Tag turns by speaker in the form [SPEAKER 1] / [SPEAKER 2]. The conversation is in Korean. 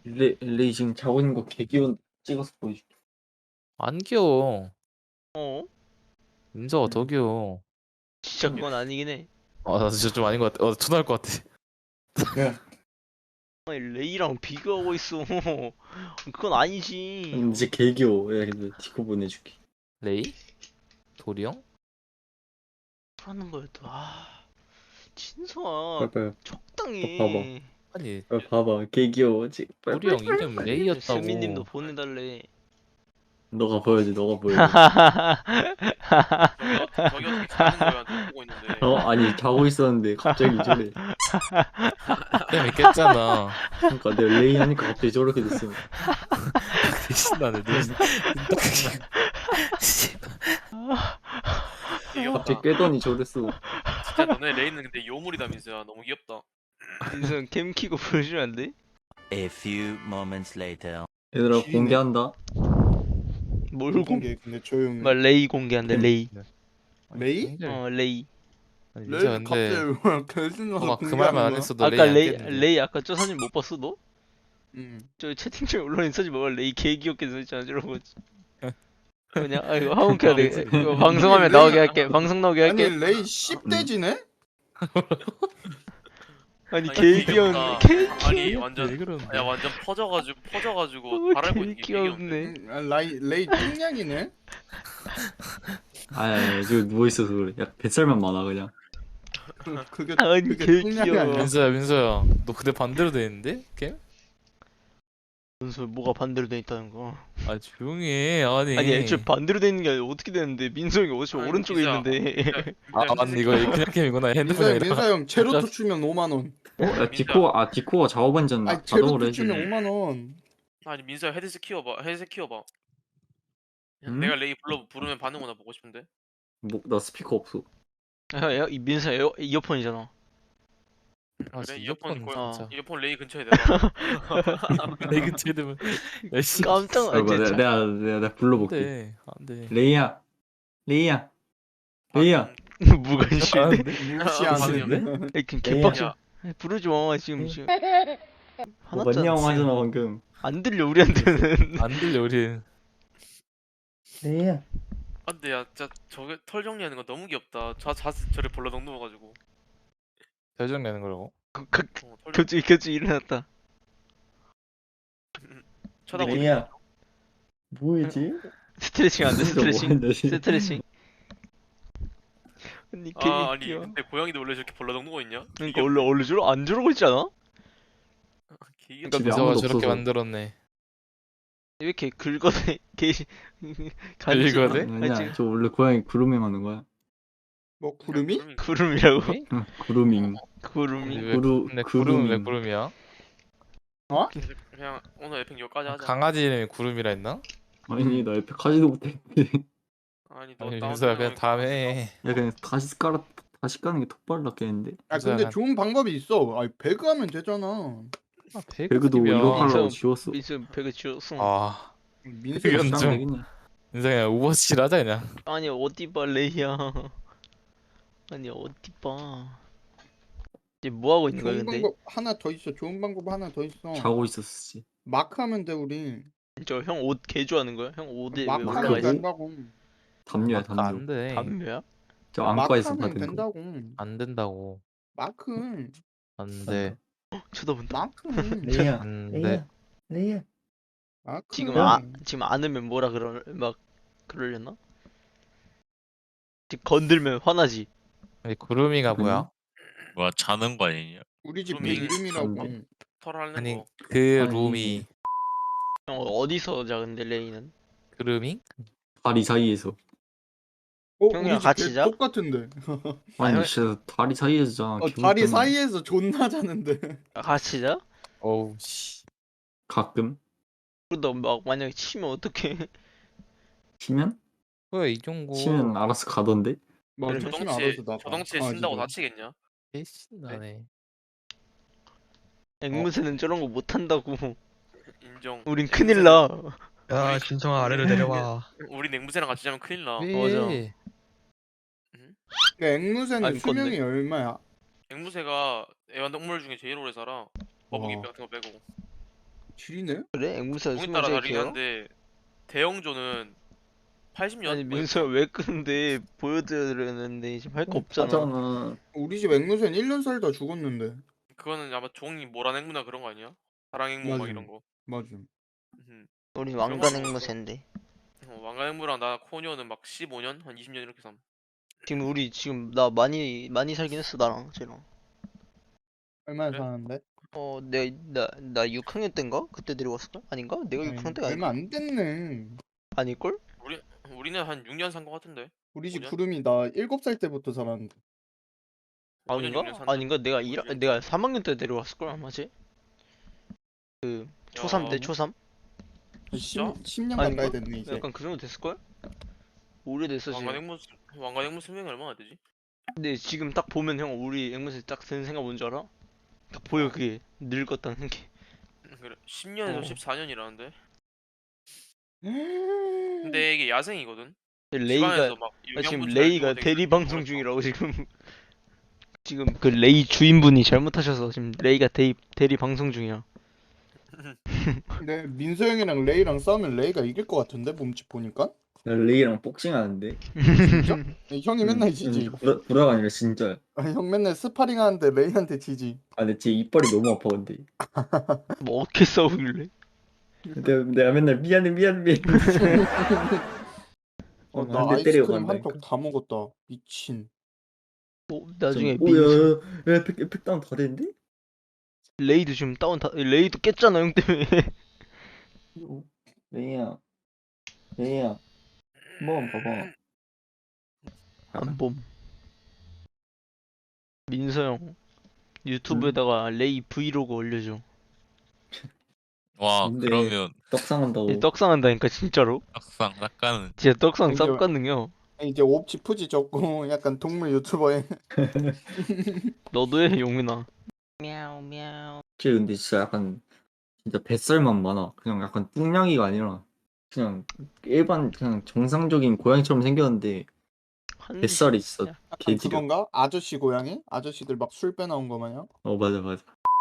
[SPEAKER 1] 레이 지금 자고 있는 거 개기운 찍어서 보여줄게.
[SPEAKER 2] 안 귀여워.
[SPEAKER 3] 어?
[SPEAKER 2] 민서가 더 귀여워.
[SPEAKER 3] 진짜 그건 아니긴 해.
[SPEAKER 2] 나 진짜 좀 아닌 것 같아. 초나할 것 같아.
[SPEAKER 1] 야,
[SPEAKER 3] 아니 레이랑 비교하고 있어. 그건 아니지.
[SPEAKER 1] 이제 개기워. 야, 근데 디코 보내줄게.
[SPEAKER 2] 레이? 도리 형?
[SPEAKER 3] 하는 거였다. 진서아
[SPEAKER 1] 빨리
[SPEAKER 3] 적당히.
[SPEAKER 1] 봐봐.
[SPEAKER 2] 아니
[SPEAKER 1] 빨리 봐봐. 개기워. 빨리.
[SPEAKER 2] 도리 형 이름 레이였다고.
[SPEAKER 3] 수민님도 보내달래.
[SPEAKER 1] 너가 보여줘. 너가 보여줘.
[SPEAKER 4] 저기 어떻게 자는 거야? 너 보고 있는데.
[SPEAKER 1] 아니 자고 있었는데 갑자기 저래.
[SPEAKER 2] 그냥 깼잖아.
[SPEAKER 1] 그러니까 내가 레이 하니까 갑자기 저렇게 됐어.
[SPEAKER 2] 신나네.
[SPEAKER 4] 귀엽다.
[SPEAKER 1] 갑자기 깨더니 저랬어.
[SPEAKER 4] 진짜 너네 레이는 근데 요물이다 민수야. 너무 귀엽다.
[SPEAKER 3] 민서 캠 키고 보여주면 안 돼?
[SPEAKER 5] A few moments later.
[SPEAKER 1] 얘들아
[SPEAKER 6] 지리네.
[SPEAKER 1] 공개한다.
[SPEAKER 3] 뭘 공?
[SPEAKER 6] 공개 근데 조용히
[SPEAKER 3] 막 레이 공개한대 레이.
[SPEAKER 6] 레이?
[SPEAKER 3] 레이.
[SPEAKER 2] 아니,
[SPEAKER 6] 레이
[SPEAKER 2] 민서 근데
[SPEAKER 6] 갑자기 결승가서
[SPEAKER 2] 너가 그 말만 안 했어도
[SPEAKER 3] 아까
[SPEAKER 2] 레이 안
[SPEAKER 3] 레이
[SPEAKER 2] 깼는데.
[SPEAKER 3] 레이 아까 저 사진 못 봤어 너?
[SPEAKER 6] 응.
[SPEAKER 3] 저 채팅창에 올라온 사진 봐봐. 레이 개 귀엽게 써있잖아 저러고. 그냥 이거 하운캐야 돼. 이거 방송하면
[SPEAKER 6] 레이-
[SPEAKER 3] 나오게 할게. 방송 나오게
[SPEAKER 6] 아니
[SPEAKER 3] 할게.
[SPEAKER 6] 레이 10대지네?
[SPEAKER 3] 아니
[SPEAKER 4] 아니,
[SPEAKER 3] 개 귀여운
[SPEAKER 4] 귀엽다.
[SPEAKER 3] 개
[SPEAKER 4] 아니
[SPEAKER 2] 왜
[SPEAKER 4] 완전
[SPEAKER 2] 그러는데?
[SPEAKER 4] 야 완전 퍼져가지고 바라고 있는 게
[SPEAKER 3] 귀엽네.
[SPEAKER 6] 레이 뚱냥이네?
[SPEAKER 1] 아야, 지금 누워 있어서 그래. 야 뱃살만 많아 그냥.
[SPEAKER 6] 그게
[SPEAKER 3] 아니
[SPEAKER 6] 그게
[SPEAKER 3] 개
[SPEAKER 6] 뚱냥이
[SPEAKER 3] 귀여워.
[SPEAKER 6] 아니야?
[SPEAKER 2] 민서야 너 그대 반대로 돼 있는데? 게임?
[SPEAKER 3] 무슨 뭐가 반대로 돼 있다는 거?
[SPEAKER 2] 아 조용히 해. 아니
[SPEAKER 3] 애초에 반대로 돼 있는 게 아니라 어떻게 되는데 민성이 어차피
[SPEAKER 4] 아니,
[SPEAKER 3] 오른쪽에
[SPEAKER 4] 진짜.
[SPEAKER 3] 있는데.
[SPEAKER 2] 맞네. 이거 그냥 게임이구나. 핸드폰이 아니라.
[SPEAKER 6] 민사 형 제로투 추면 5만원.
[SPEAKER 1] 야 디코가 작업반전
[SPEAKER 6] 아니
[SPEAKER 1] 자동으로
[SPEAKER 6] 제로투
[SPEAKER 1] 해주네.
[SPEAKER 6] 추면 5만원.
[SPEAKER 4] 아니 민수야 헤드셋 키워봐. 헤드셋 키워봐.
[SPEAKER 1] 응?
[SPEAKER 4] 내가 레이 부르면 반응 오나 보고 싶은데.
[SPEAKER 1] 나 스피커 없어.
[SPEAKER 3] 이 민서 이어폰이잖아.
[SPEAKER 2] 아,
[SPEAKER 4] 그래
[SPEAKER 2] 진짜
[SPEAKER 4] 이어폰
[SPEAKER 2] 이어폰 진짜.
[SPEAKER 4] 이어폰 레이 근처에 대봐.
[SPEAKER 2] 내 근처에 되면 야씨.
[SPEAKER 3] 깜짝
[SPEAKER 1] 아,
[SPEAKER 3] 진짜.
[SPEAKER 1] 내가 불러볼게.
[SPEAKER 2] 안돼 안돼.
[SPEAKER 1] 레이야, 레이야, 레이야.
[SPEAKER 3] 무관심해.
[SPEAKER 6] 무시하는데?
[SPEAKER 3] 그냥
[SPEAKER 1] 레이야.
[SPEAKER 3] 개빡쳐. 부르지 마 지금. 화났잖아.
[SPEAKER 1] 맞냐고 하잖아 방금.
[SPEAKER 3] 안 들려 우리한테는.
[SPEAKER 2] 안 들려 우리.
[SPEAKER 1] 레이야.
[SPEAKER 4] 아 근데 야 진짜 저게 털 정리하는 거 너무 귀엽다. 저래 벌러덩 누워가지고.
[SPEAKER 2] 결정 내는 거라고.
[SPEAKER 4] 털
[SPEAKER 3] 겹치 일어났다.
[SPEAKER 4] 쳐다보고.
[SPEAKER 1] 레이야. 뭐지?
[SPEAKER 3] 스트레칭 안 돼. 스트레칭.
[SPEAKER 1] 스트레칭.
[SPEAKER 3] 스트레칭. 아니 개
[SPEAKER 4] 아니
[SPEAKER 3] 귀여워.
[SPEAKER 4] 근데 고양이도 원래 저렇게 벌러덩 누워 있냐?
[SPEAKER 3] 그러니까 원래 저러 안 저러고 있지 않아?
[SPEAKER 4] 귀엽다.
[SPEAKER 1] 집에
[SPEAKER 2] 민서가
[SPEAKER 1] 아무도
[SPEAKER 2] 저렇게
[SPEAKER 1] 없어서.
[SPEAKER 2] 만들었네.
[SPEAKER 3] 왜 이렇게 긁어대? 개
[SPEAKER 2] 긁어대?
[SPEAKER 1] 아니야, 저 원래 고양이 그루밍 하는 거야.
[SPEAKER 6] 뭐 구름이?
[SPEAKER 3] 구름이라고?
[SPEAKER 1] 응, 그루밍.
[SPEAKER 3] 구름이.
[SPEAKER 2] 근데 구름은 왜
[SPEAKER 1] 구루밍.
[SPEAKER 2] 구름이야?
[SPEAKER 4] 그냥 오늘 에픽 여기까지 하자.
[SPEAKER 2] 강아지 이름이 구름이라 했나?
[SPEAKER 1] 아니 나 에픽 하지도 못해.
[SPEAKER 4] 아니 너
[SPEAKER 2] 아니
[SPEAKER 4] 다운
[SPEAKER 2] 민서야 그냥
[SPEAKER 4] 받으면
[SPEAKER 2] 다음에 해.
[SPEAKER 1] 야 그냥 다시 까는 게 톡 빨랐겠는데.
[SPEAKER 6] 아 근데
[SPEAKER 2] 약간-
[SPEAKER 6] 좋은 방법이 있어. 아니 배그하면 되잖아.
[SPEAKER 2] 아,
[SPEAKER 1] 배그도
[SPEAKER 2] 배그집이야.
[SPEAKER 1] 이거 하려고
[SPEAKER 3] 민서-
[SPEAKER 1] 지웠어.
[SPEAKER 3] 민수 배그 지웠어.
[SPEAKER 2] 아
[SPEAKER 6] 민수
[SPEAKER 2] 이건
[SPEAKER 1] 시간
[SPEAKER 2] 좀-
[SPEAKER 1] 되겠네.
[SPEAKER 2] 민서 그냥 오버워치를 하자 그냥.
[SPEAKER 3] 아니 어디 봐 레이야. 아니 어디 봐. 이제 뭐 하고 있는 거야
[SPEAKER 6] 좋은
[SPEAKER 3] 근데?
[SPEAKER 6] 방법 하나 더 있어. 좋은 방법 하나 더 있어.
[SPEAKER 1] 자고 있었지.
[SPEAKER 6] 마크 하면 돼 우리.
[SPEAKER 3] 저 형 옷 개 좋아하는 거야? 형 옷에 왜
[SPEAKER 6] 마크
[SPEAKER 3] 올라가
[SPEAKER 6] 하면
[SPEAKER 3] 있어?
[SPEAKER 6] 된다고.
[SPEAKER 1] 담요야
[SPEAKER 2] 안
[SPEAKER 1] 담요.
[SPEAKER 2] 돼.
[SPEAKER 3] 담배야?
[SPEAKER 1] 저
[SPEAKER 6] 마크
[SPEAKER 1] 안과에서
[SPEAKER 6] 하면
[SPEAKER 1] 받은 거.
[SPEAKER 6] 된다고.
[SPEAKER 2] 안 된다고.
[SPEAKER 6] 마크.
[SPEAKER 2] 안 돼.
[SPEAKER 3] 쳐다본다.
[SPEAKER 6] 마크.
[SPEAKER 1] 레이야.
[SPEAKER 2] 안 돼.
[SPEAKER 1] 레이야. 레이야.
[SPEAKER 6] 마크.
[SPEAKER 3] 지금 안으면 뭐라 막 그러려나? 지금 건들면 화나지.
[SPEAKER 2] 아니 구름이가 뭐야?
[SPEAKER 7] 뭐야 자는 거 아니냐?
[SPEAKER 6] 우리 집
[SPEAKER 4] 구름이.
[SPEAKER 6] 이름이라고.
[SPEAKER 4] 털 하는
[SPEAKER 2] 아니
[SPEAKER 4] 거.
[SPEAKER 2] 그
[SPEAKER 1] 아니.
[SPEAKER 2] 룸이
[SPEAKER 3] 형 어디서 자 근데 레이는?
[SPEAKER 2] 구름이?
[SPEAKER 1] 다리 사이에서.
[SPEAKER 3] 형이랑
[SPEAKER 6] 우리 집
[SPEAKER 3] 같이
[SPEAKER 6] 개
[SPEAKER 3] 자?
[SPEAKER 6] 똑같은데.
[SPEAKER 1] 아니
[SPEAKER 3] 형-
[SPEAKER 1] 진짜 다리 사이에서 자.
[SPEAKER 6] 다리 사이에서 존나 자는데.
[SPEAKER 3] 같이 자?
[SPEAKER 2] 어우 씨.
[SPEAKER 1] 가끔
[SPEAKER 3] 그러다 막 만약에 치면 어떡해?
[SPEAKER 1] 치면
[SPEAKER 2] 뭐야 이종고.
[SPEAKER 1] 치면 알아서 가던데.
[SPEAKER 6] 뭐
[SPEAKER 4] 그래,
[SPEAKER 6] 조심히
[SPEAKER 4] 저덩치에
[SPEAKER 6] 알아서 나가.
[SPEAKER 4] 저덩치에
[SPEAKER 6] 아,
[SPEAKER 4] 신다고
[SPEAKER 6] 진짜.
[SPEAKER 4] 다치겠냐?
[SPEAKER 2] 신나네.
[SPEAKER 3] 앵무새는 저런 거 못한다고.
[SPEAKER 4] 인정.
[SPEAKER 3] 우린 큰일 나.
[SPEAKER 8] 야, 진성아 아래로 내려와.
[SPEAKER 4] 우리 냉무새랑 같이 자면 큰일 나.
[SPEAKER 2] 왜?
[SPEAKER 6] 그 앵무새는
[SPEAKER 3] 아니, 건데.
[SPEAKER 6] 수명이 얼마야?
[SPEAKER 4] 앵무새가 애완동물 중에 제일 오래 살아. 거북이
[SPEAKER 6] 와.
[SPEAKER 4] 같은 거 빼고.
[SPEAKER 6] 지리네?
[SPEAKER 3] 그래? 앵무새가
[SPEAKER 4] 종에
[SPEAKER 3] 숨을
[SPEAKER 4] 따라
[SPEAKER 3] 제일
[SPEAKER 4] 다르긴
[SPEAKER 3] 길어?
[SPEAKER 4] 한데 대형조는 80년?
[SPEAKER 3] 아니 민서야 왜 끄는데 보여드렸는데 지금 할 거 없잖아.
[SPEAKER 1] 하잖아.
[SPEAKER 6] 우리 집 앵무새는 1년 살다 죽었는데.
[SPEAKER 4] 그거는 아마 종이 모란 앵무나 그런 거 아니야? 사랑 앵무 막
[SPEAKER 6] 맞아.
[SPEAKER 4] 이런 거.
[SPEAKER 6] 맞아.
[SPEAKER 3] 우리
[SPEAKER 4] 그런
[SPEAKER 3] 왕관
[SPEAKER 4] 거 먹었어.
[SPEAKER 3] 앵무새인데.
[SPEAKER 4] 왕관 앵무랑 나 코녀는 막 15년, 한 20년 이렇게 삼.
[SPEAKER 3] 지금 우리 지금 나 많이 살긴 했어 나랑 쟤랑.
[SPEAKER 6] 얼마나
[SPEAKER 4] 그래?
[SPEAKER 6] 사는데?
[SPEAKER 3] 나 6학년 때인가? 그때 데려왔을걸? 아닌가? 내가 6학년 때가
[SPEAKER 6] 얼마
[SPEAKER 3] 아닐까?
[SPEAKER 6] 안 됐네.
[SPEAKER 3] 아닐걸?
[SPEAKER 4] 우리는 한 6년 산 거 같은데.
[SPEAKER 6] 우리 집
[SPEAKER 4] 5년?
[SPEAKER 6] 구름이 나 7살 때부터 살았는데.
[SPEAKER 4] 5년,
[SPEAKER 3] 아닌가?
[SPEAKER 4] 6년 샀나?
[SPEAKER 3] 아닌가? 내가
[SPEAKER 4] 모르겠어.
[SPEAKER 3] 내가 3학년 때 데려왔을걸 아마지? 그 초3 때
[SPEAKER 4] 야,
[SPEAKER 3] 초3?
[SPEAKER 6] 10년
[SPEAKER 3] 아닌가?
[SPEAKER 6] 가까이 됐네 이제.
[SPEAKER 3] 약간 그 정도 됐을걸? 오래됐어 지금.
[SPEAKER 4] 왕관 앵무 수명이 얼마나 되지?
[SPEAKER 3] 근데 지금 딱 보면 형 우리 앵무새 딱 드는 생각 뭔지 알아? 딱 보여 그게 늙었다는 게.
[SPEAKER 4] 그래 10년에서
[SPEAKER 3] 어.
[SPEAKER 4] 14년이라는데. 근데 이게 야생이거든.
[SPEAKER 3] 레이가
[SPEAKER 4] 집안에서 막
[SPEAKER 3] 지금
[SPEAKER 4] 영양분 잘
[SPEAKER 3] 레이가
[SPEAKER 4] 주고 되게
[SPEAKER 3] 대리 방송
[SPEAKER 4] 그랬어.
[SPEAKER 3] 중이라고 지금. 지금 그 레이 주인분이 잘못하셔서 지금 레이가 대리 방송 중이야.
[SPEAKER 6] 근데 민서 형이랑 레이랑 싸우면 레이가 이길 것 같은데 몸집 보니까.
[SPEAKER 1] 레이랑 복싱하는데.
[SPEAKER 6] 진짜? 형이 맨날 지지.
[SPEAKER 1] 불화가 아니라 진짜.
[SPEAKER 6] 아니, 형 맨날 스파링 하는데 레이한테 지지.
[SPEAKER 1] 아 근데 제 이빨이 너무 아파 근데.
[SPEAKER 3] 뭐 어떻게 싸우길래?
[SPEAKER 1] 내가 맨날 미안해.
[SPEAKER 6] 나
[SPEAKER 1] 한대 때리고
[SPEAKER 6] 아이스크림
[SPEAKER 1] 간다니까.
[SPEAKER 6] 한 쪽 다 먹었다. 미친.
[SPEAKER 3] 나중에
[SPEAKER 1] 오야 에픽 다운 다 됐는데?
[SPEAKER 3] 레이도 지금 레이도 깼잖아 형 때문에.
[SPEAKER 1] 레이야 한번 봐봐.
[SPEAKER 3] 안봄. 민서 형 유튜브에다가 레이 브이로그 올려줘.
[SPEAKER 7] 와
[SPEAKER 1] 근데-
[SPEAKER 7] 그러면
[SPEAKER 1] 떡상한다고.
[SPEAKER 3] 얘 떡상한다니까 진짜로.
[SPEAKER 7] 막상 낚아는
[SPEAKER 3] 진짜 떡상
[SPEAKER 6] 근데-
[SPEAKER 3] 쌉가능해요.
[SPEAKER 6] 이제 옵치 푸지 적고 약간 동물 유튜버에.
[SPEAKER 3] 너도 해 용민아. 미야오.
[SPEAKER 1] 근데 진짜 약간 진짜 뱃살만 많아. 그냥 약간 뚱냥이가 아니라 그냥 일반 그냥 정상적인 고양이처럼 생겼는데 뱃살이 있어.
[SPEAKER 6] 약간
[SPEAKER 1] 개지려.
[SPEAKER 6] 그건가? 아저씨 고양이? 아저씨들 막 술 빼나온 거 마냥?
[SPEAKER 1] 맞아.